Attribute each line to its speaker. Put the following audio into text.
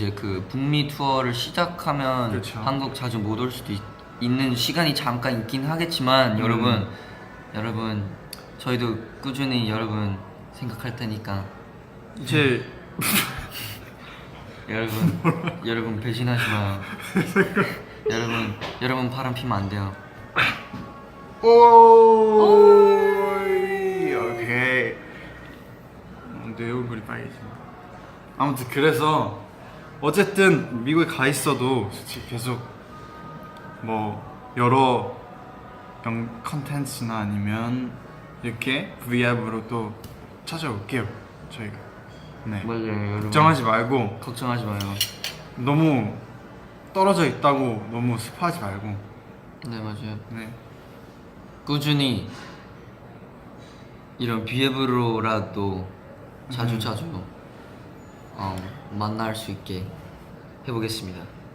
Speaker 1: 이제 그 북미 투어를 시작하면
Speaker 2: 그쵸.
Speaker 1: 한국 자주 못 올 수도 있는 시간이 잠깐 있긴 하겠지만 여러분 저희도 꾸준히 여러분 생각할 테니까
Speaker 2: 이제
Speaker 1: 여러분 배신하지 마요. 여러분 바람 피면 안 돼요.
Speaker 2: 오케이. 내 얼굴이 빨개진다. 아무튼 그래서 어쨌든 미국에 가 있어도 솔직히 계속 뭐 여러 컨텐츠나 아니면 이렇게 V앱으로 또 찾아올게요 저희가. 네.
Speaker 1: 맞아요 여러분.
Speaker 2: 걱정하지 말고
Speaker 1: 걱정하지 마요.
Speaker 2: 너무 떨어져 있다고 너무 습하지 말고.
Speaker 1: 네 맞아요.
Speaker 2: 네.
Speaker 1: 꾸준히 이런 비앱으로라도 자주 만날 수 있게 해보겠습니다.